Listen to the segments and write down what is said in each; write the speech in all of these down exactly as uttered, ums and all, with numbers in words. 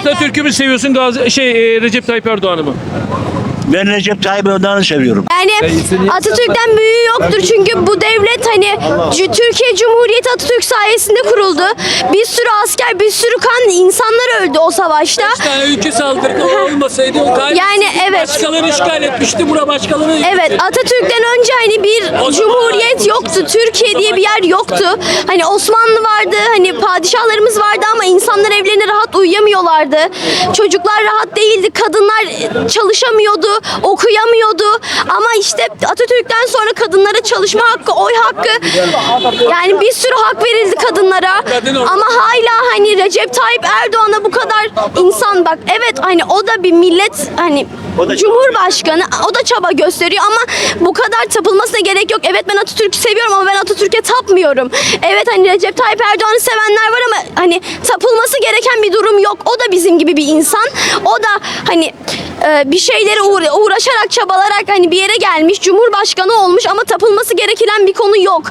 Atatürk'ü mü seviyorsun Gazi şey e, Recep Tayyip Erdoğan'ı mı? Ben Recep Tayyip Erdoğan'ı seviyorum. Yani Atatürk'ten büyüğü yoktur çünkü bu devlet hani C- Türkiye Cumhuriyeti Atatürk sayesinde kuruldu. Bir sürü asker, bir sürü kan insanlar öldü o savaşta. Beş tane ülke saldırdı, o olmasaydı o kaybetseydi. Yani evet. Başkaları işgal etmişti, bura başkaları. Evet, Atatürk'ten önce hani bir cumhuriyet yoktu. Türkiye diye bir yer yoktu. Hani Osmanlı vardı, hani padişahlarımız vardı ama insanlar evlerine rahat uyuyamıyorlardı. Çocuklar rahat değildi, kadınlar çalışamıyordu, okuyamıyordu. Ama işte Atatürk'ten sonra kadınlara çalışma hakkı, oy hakkı, yani bir sürü hak verildi kadınlara. Ama hala hani Recep Tayyip Erdoğan'a bu kadar insan, bak evet hani o da bir millet, hani Cumhurbaşkanı, o da çaba gösteriyor ama bu kadar tapılmasına gerek yok. Evet ben Atatürk'ü seviyorum ama ben Atatürk'e tapmıyorum. Evet hani Recep Tayyip Erdoğan'ı sevenler var ama hani tapılması gereken bir durum yok. O da bizim gibi bir insan. O da hani e, bir şeylere uğra- uğraşarak, çabalarak hani bir yere gelmiş, Cumhurbaşkanı olmuş ama tapılması gereken bir konu yok.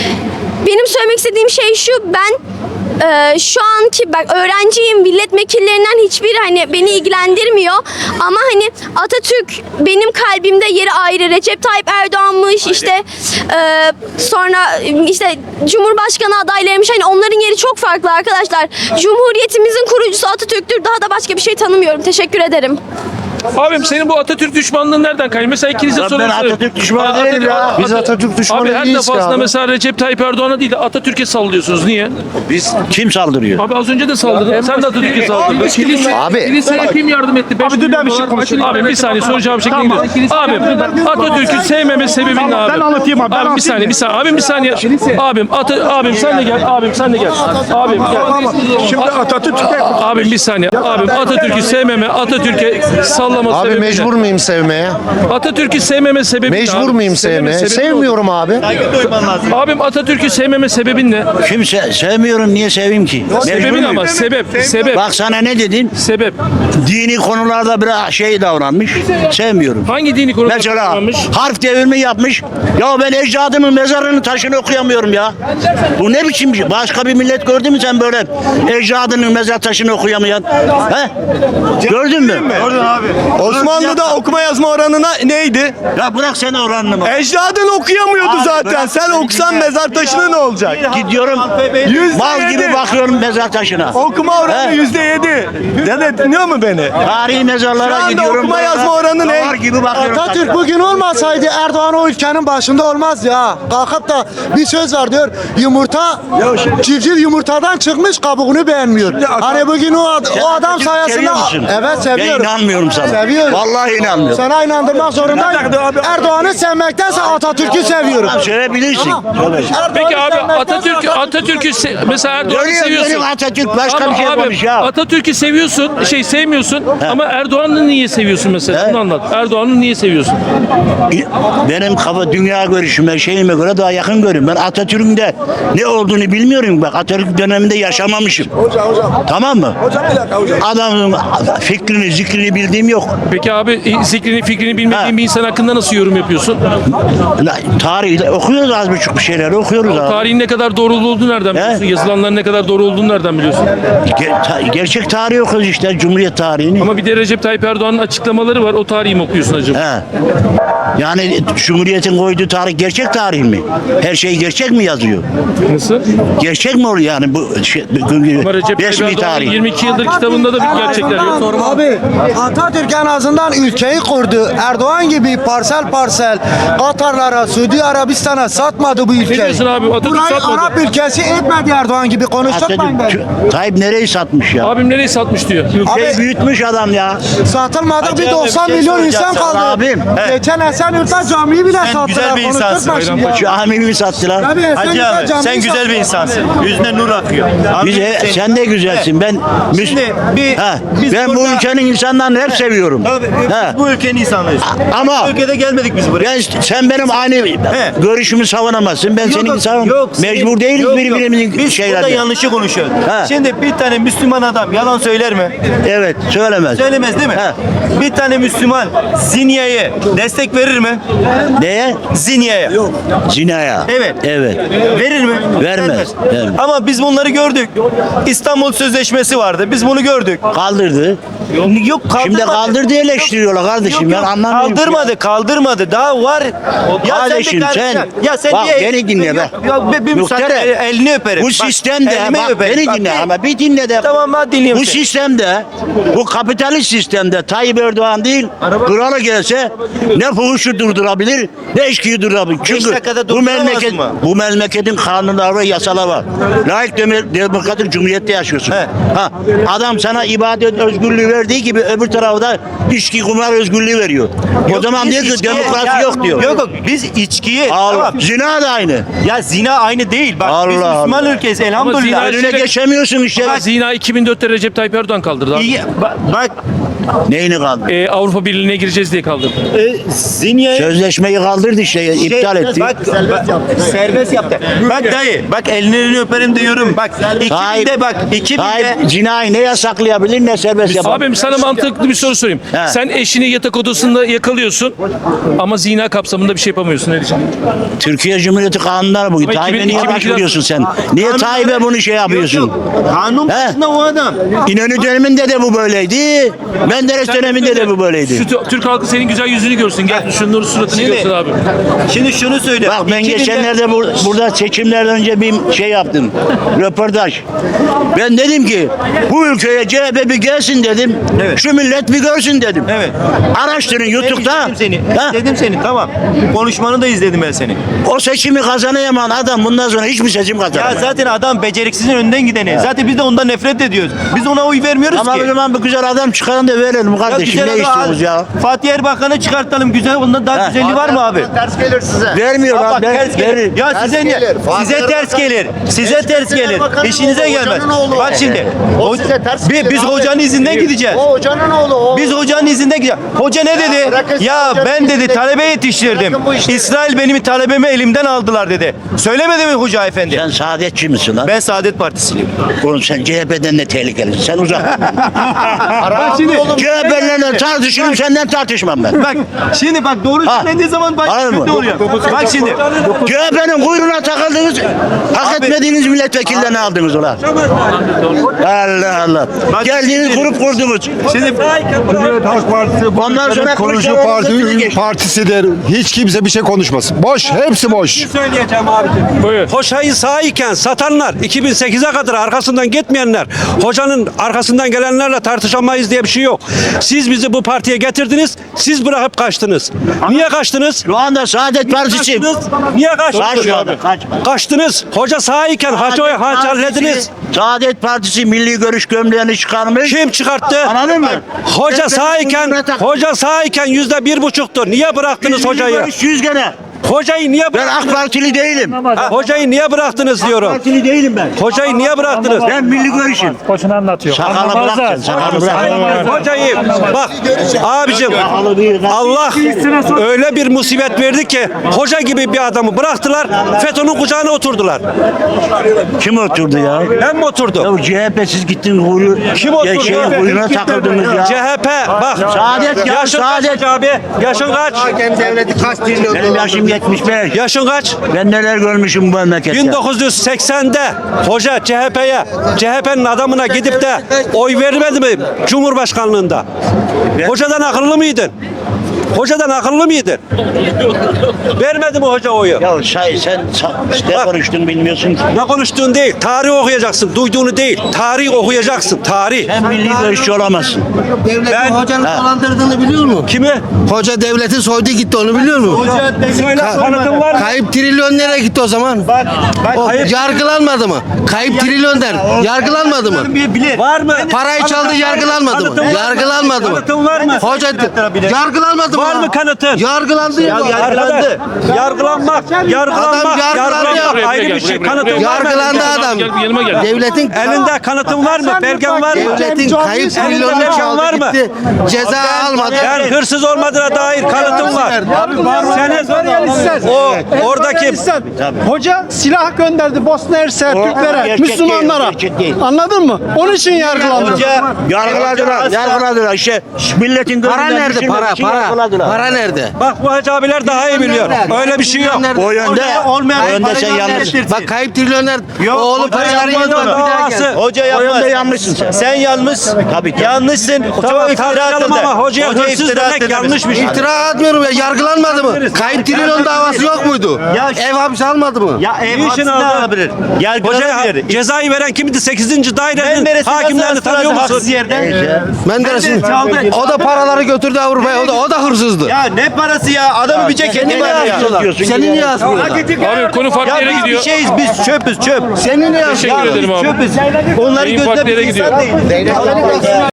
Benim söylemek istediğim şey şu: ben Ee, şu anki bak öğrenciyim, milletvekillerinden hiçbir hani beni ilgilendirmiyor ama hani Atatürk benim kalbimde yeri ayrı. Recep Tayyip Erdoğan'mış, işte e, sonra işte Cumhurbaşkanı adaylarıymış, hani onların yeri çok farklı arkadaşlar. Cumhuriyetimizin kurucusu Atatürk'tür, daha da başka bir şey tanımıyorum. Teşekkür ederim. Abim senin bu Atatürk düşmanlığın nereden kaynıyor? Mesela ikinize Ben soruyorum. Atatürk düşmanı değilim ya. Biz Atatürk düşmanı Abi her değiliz ki defasında abi. mesela Recep Tayyip Erdoğan'a değil de Atatürk'e sallıyorsunuz. Niye? Biz kim saldırıyor? Abi az önce de saldırdın. Sen de Atatürk'e saldırdın. Abi. Kiliseye kim yardım etti? Abi dur ben bir şey konuşayım. Abi bir saniye soracağım şekline gidiyor. Abi Atatürk'ü sevmeme sebebin ne abi? Ben anlatayım abi, ben Abi bir saniye bir saniye. Abim bir saniye. Abim Ata, abim sen de gel. Abim sen de gel. Abim gel. Şimdi Atatürk'e Abim bir saniye. Abim Atatürk'ü sevmeme, Atatürk'e sallama Abi sebebi ne? mecbur muyum sevmeye? Atatürk'ü sevmeme sebebi ne Mecbur abi? muyum Sevmeme sevmeye? sebebi ne? Sevmiyorum abi. Abim Atatürk'ü sevmeme sebebin ne? Kim se- sevmiyorum, niye seveyim ki? Mecbur Sebebin muyum? ama sebep, sebep, Bak sana ne dedim? sebep. Dini konularda biraz şey davranmış. Sevmiyorum. Hangi dini konuda Mesela kullanmış? harf devrimi yapmış. Ya ben ecdadımın mezarının taşını okuyamıyorum ya. Bu ne biçim bir şey? Başka bir millet gördün mü sen böyle ecdadının mezar taşını okuyamayan? He? Gördün mü? Gördün abi. Osmanlı'da okuma yazma oranına neydi? Ya bırak sen oranını mı? Ecdadın okuyamıyordu Abi zaten. bırak Sen beni okusan dinle. mezar taşına ne olacak? Gidiyorum Yüzde mal yedi. gibi bakıyorum mezar taşına. Okuma oranı He? yüzde yedi. Dede dinliyor mu beni? Tarihi Şu mezarlara anda gidiyorum. okuma böyle yazma oranı ne? davar gibi bakıyorum. Atatürk taşına. bugün olmasaydı Erdoğan o ülkenin başında olmaz ya. Kalkıp da bir söz var diyor. Yumurta, civciv yumurtadan çıkmış, kabuğunu beğenmiyor. Hani bugün o, ad- Sen o adam Atatürk'ü sayesinde... seviyor musun? Evet Ben seviyorum. inanmıyorum sana. Seviyorum. Vallahi inanmıyorum. Sana inandırmak zorundayım. Erdoğan'ı sevmektense Atatürk'ü seviyorum. Tamam, sevebilirsin. Söyle. Peki abi sevmektense Atatürk Atatürk'ü se- mesela Erdoğan'ı Görüyor seviyorsun. benim Atatürk başka Ama bir şey abi yapmamış ya. Atatürk'ü seviyorsun, şey sevmiyorsun ama Erdoğan'ı niye seviyorsun mesela? He? Bunu anlat. Erdoğan'ı niye seviyorsun? Benim kafa dünya görüşüme şeyime göre daha yakın görüyorum. Ben Atatürk'ün de ne olduğunu bilmiyorum. Bak Atatürk döneminde yaşamamışım. Tamam mı? Adamın fikrini, zikrini bildiğim yok. Peki abi e, zikrini fikrini bilmediğin Ha. bir insan hakkında nasıl yorum yapıyorsun? La, Tarih okuyoruz az buçuk bir şeyler okuyoruz abi. Tarihin ne kadar doğru olduğunu nereden biliyorsun? Yazılanların ne kadar doğru olduğunu nereden biliyorsun? Ge- ta- gerçek tarihi okuyoruz işte Cumhuriyet tarihini. Ama bir de Recep Tayyip Erdoğan'ın açıklamaları var. O tarihi mi okuyorsun acaba? He. Yani Cumhuriyet'in koyduğu tarih gerçek tarih mi? Her şey gerçek mi yazıyor? Nasıl? Gerçek mi oluyor yani bu şey, bu- Ama Recep Tayyip resmi Erdoğan'ın tarih? yirmi iki yıldır kitabında da bir gerçekler yok. Abi Atatürk en azından ülkeyi kurdu. Erdoğan gibi parsel parsel Katarlara, Suudi Arabistan'a satmadı bu ülkeyi. diyorsun abi? Atatürk Burayı satmadı. Arap ülkesi etmedi Erdoğan gibi, konuşturmayın beni. Atatürk, Tayyip nereyi satmış ya? Abim nereyi satmış diyor. Ülkeyi büyütmüş adam ya. Satılmadı, bir Hacı abi, doksan bir şey milyon soracağım insan sana kaldı. abim. Geçen Esenyurt'ta camiyi bile sattılar. güzel bir insansın. Konuşturma şimdi ya. Şu amimi sattılar. Tabii Hacı Esenyurt'ta abi camiyi sen güzel bir sattılar. insansın. Yüzüne nur akıyor. Abi, Bize, sen de güzelsin. Ben müs- Şimdi bir- Ha, biz ben bu burada- ülkenin insanlarını hep seviyorum. söylüyorum. Tabii, He. biz bu ülkenin insanıyız. Ama Bu ülkede gelmedik biz buraya. ben, sen benim aynı görüşümü savunamazsın. Ben senin savun. Mecbur değiliz yok, birbirimizin Biz burada şeylerinde. yanlışı konuşuyoruz. He. Şimdi bir tane Müslüman adam yalan söyler mi? Evet, söylemez. Söylemez değil mi? He. Bir tane Müslüman zinyaya destek verir mi? Neye? Zinyaya. Zinaya. Evet. Evet. Verir mi? Vermez. Vermez. Ama biz bunları gördük. İstanbul Sözleşmesi vardı. Biz bunu gördük. Kaldırdı. Yok kaldırmadı. Şimdi kaldırdı eleştiriyorlar kardeşim. Yok, yok. Ben anlamıyorum. Kaldırmadı, kaldırmadı. Daha var. Ya Kardeşim sen, de sen, ya sen bak niye- beni dinle be. Ya be- bir müsaade, Muhtere, el- elini öperim. Bu Bak, sistemde elimi bak öperim. beni Bak, dinle bir- ama bir dinle de. Tamam ben dinliyorum Bu seni. sistemde, bu kapitalist sistemde Tayyip Erdoğan değil, kralı gelse ne fuhuşu durdurabilir, ne eşkiyi durdurabilir. Çünkü dakikada bu durduramaz memleket, mı? bu memleketin kanunları ve yasaları var. Layık deme- demokratik cumhuriyette yaşıyorsun. He. Ha, adam sana ibadet özgürlüğü verdiği gibi öbür tarafta içki kumar özgürlüğü veriyor. O Yok, zaman biz diyor ki içkiye- demokrasi ya- yok diyor. Yok yok biz içkiye Allah, tamam. zina da aynı. Ya zina aynı değil. Bak biz Allah Müslüman Allah. ülkeyiz zina- elhamdülillah. Önüne geçemiyorsun işte. Ama zina iki bin dörtte Recep Tayyip Erdoğan kaldırdı abi. İyi, bak, bak Neyini kaldı? Ee, Avrupa Birliği'ne gireceğiz diye kaldırdı. e, zinyaya Sözleşmeyi kaldırdı işte, Şey, iptal etti. Bak, bak, serbest yaptı. Bak dayı, bak ellerini öperim diyorum. Bak iki binde bak, iki binde. Tayyip cinayı ne yasaklayabilir ne serbest yapabilir. Abim sana mantıklı bir soru sorayım. He. Sen eşini yatak odasında yakalıyorsun ama zina kapsamında bir şey yapamıyorsun. Ne diyeceksin? Türkiye Cumhuriyeti kanunları bu. Ama Tayyip'e iki bin- niye iki bin başvuruyorsun sen? Niye Tayyip'e bunu şey yapıyorsun? Kanun He? başında o adam. İnönü döneminde de bu böyleydi. Menderes döneminde de bu böyleydi. Şu tü- Türk halkı senin güzel yüzünü görsün. Gel şunların suratını Şimdi- görsün abi. Şimdi şunu söyle. Bak ben iki binde geçenlerde bur- burada seçimlerden önce bir şey yaptım. Röportaj. Ben dedim ki bu ülkeye C H P bir gelsin dedim. Evet. Şu millet bir görsün dedim. Evet. Araştırın YouTube'da. İzledim seni. Ha? İzledim seni tamam. Konuşmanı da izledim ben seni. O seçimi kazanamayan adam bundan sonra hiçbir seçim Ya kazanamaz. zaten adam beceriksizin önden gideni. Zaten biz de ondan nefret ediyoruz. Biz ona oy vermiyoruz Ama ki. o zaman bu güzel adam çıkarın da verelim Ya kardeşim. güzel Ne adam- istiyoruz ya? Fatih Erbakan'ı çıkartalım güzel. Ondan daha Ha. güzelliği var mı abi? Ters gelir size. Vermiyor Ya lan. bak ver- ters gelir. verir. Ya Ters size ne? gelir. Fatih Size ters Erbakan- gelir. Size Eski ters Genel gelir. Bakanın İşinize oğlu, gelmez. hocanın oğlu. Bak şimdi. O o- size ters bi- gelir biz abi. hocanın izinden gideceğiz. O hocanın oğlu. O. Biz hocanın izinden gideceğiz. Hoca ne dedi? bırakın Ya hocanın ben dedi izinden- talebe yetiştirdim. Bırakın bu işleri. İsrail benim talebemi elimden aldılar dedi. Söylemedi mi hoca efendi? Sen saadetçi misin lan? Ben Saadet Partisiliyim. Oğlum sen C H P'den de tehlikelisin. Sen uzak. Bak şimdi. C H P'lerle tartışırım senden tartışmam ben. Bak şimdi bak doğru Ha. söylediği zaman bak Anladın kötü mı? oluyor. Bak şimdi. C H P'nin kuyruğuna takıldınız. Hak Abi- etmediğiniz milletvekillerini aldınız ulan. Allah Allah. Bak Geldiniz şimdi- grup kurdunuz. Şimdi Cumhuriyet Halk Partisi Ondan sonra kurucu Kılıçdaroğlu sizi parti geçti. partisidir. Hiç kimse bir şey konuşmasın. Boş, hepsi boş. Buyur. Hoşayı sağ iken satanlar, iki bin sekize kadar arkasından gitmeyenler, hocanın arkasından gelenlerle tartışamayız diye bir şey yok. Siz bizi bu partiye getirdiniz, siz bırakıp kaçtınız. Niye kaçtınız? Şu anda Saadet Partisi. Kaçtınız. Niye kaçtınız? Kaç şu anda, kaç. Kaçtınız. Hoca sağ iken hacı hallediniz. Saadet Partisi milli görüş gömleğini çıkarmış. Kim çıkarttı? Anladın mı? Hoca sağ iken, hoca sağ iken yüzde bir buçuktu. Niye bıraktınız Milli hocayı? görüş yüz gene. Hocayı niye Ben bıraktınız? AK Partili değilim. Ha, hocayı niye bıraktınız AK diyorum. Partili değilim ben. Hocayı niye bıraktınız? Ben milli görüşüm. Boşuna anlatıyor. Sakalı bırakacaksın. Sakalı bırakacaksın. Hocayı bak abicim Allah öyle bir musibet verdi ki hoca gibi bir adamı bıraktılar FETÖ'nün kucağına oturdular. Kim oturdu ya? Ben mi oturdum? Ya C H P siz gittin kuyruğu. Kim oturdu? Ya şeyin kuyruğuna takıldınız ya. C H P bak. Saadet ya, Yaşın Saadet. kaç abi? Yaşın kaç? Hakem devleti kaç trilyon Benim yaşım yetmiş beş. Yaşın kaç? Ben neler görmüşüm bu memlekette. bin dokuz yüz seksende hoca C H P'ye, C H P'nin adamına gidip de oy vermedi mi Cumhurbaşkanlığında? Hocadan akıllı mıydın? Hocadan akıllı mıydın? Vermedi mi hoca oyu? Ya say, sen sa- ne Bak. konuştun bilmiyorsun ki. Ne konuştuğun değil, tarih okuyacaksın, duyduğunu değil. Tarih okuyacaksın, tarih. Sen milli görüşçü olamazsın. Devletin Ben- hocanın Ha. dolandırdığını biliyor musun? Kimi? Hoca devleti soydu gitti onu biliyor musun? Söyle, kanıtın var mı? Kayıp trilyon nereye gitti o zaman? bak O kayıp- yargılanmadı mı? Kayıp trilyon der. Yargılanmadı mı? bilir. Var mı? Parayı çaldı yargılanmadı mı? Kanıtın var mı? Yargılanmadı mı? Kanıtın var mı? Hoca yargılanmadı mı Var mı kanıtın? Yargılandı ya. Ya- Arkadaş, yargılanmak, yargılanmak, Adam yargılandı. yargılanmak Buraya ayrı gel, bir şey. buraya, buraya, Kanıtın buraya. var mı? Yargılandı adam. Gel, yanıma gel. Devletin Elinde kanıtın var mı? Belgen var mı? devletin kayıp trilyonlar Belgen çaldı var mı? gitti. Ceza almadı. Ben hırsız olmadığına dair kanıtım var. Senin o oradaki Hoca silah gönderdi Bosna Hersek O Türklere, gerçek değil, Müslümanlara. gerçek değil. Anladın mı? Onun için yargılandı. Hoca Yargıladılar, yargıladılar işte. Milletin Para gözünden nerede? düşürmek Para, için para. yargıladılar. Para nerede? bak bu hacı abiler daha iyi biliyor. Öyle bir şey yok. O yönde, olmayan o yönde parayı sen yanlış. göndertirsin. Bak kayıp trilyonlar Yok, oğlu hoca paraları yapmaz yedi bak onu. bir daha gel. Hoca O yapmaz. yönde yanlışsın sen. Sen yanlış. Tabii ki. Yanlışsın. Tamam, Çok iftira tartışalım atıldı. ama hocaya Hoca hırsız iftira demek atıldı. yanlış bir şey. İftira atmıyorum ya. Yargılanmadı mı? Kayıp trilyon davası yok muydu? Ya- Ev hapsi almadı mı? Ya ev Niçin hapsine aldı? alabilir. Hocaya Yargılanabilir. cezayı veren kimdi? sekizinci dairenin Menderes'in hakimlerini nasıl tanıyor haksız musun? yerde? Menderes'in. Menderes çaldı. O da paraları götürdü Avrupa'ya. O da o da hırsızdı. Ya ne parası ya? Adamı bir ceketi Seni niye var ya. asıyorlar? Seni niye asıyorlar? Abi konu farklı Ya yere biz bir gidiyor. şeyiz. Biz çöpüz çöp. Seni niye Teşekkür asıyorlar? ederim abi. Çöpüz. Onları Beyin gözle farklı yere bir insan gidiyor. değil.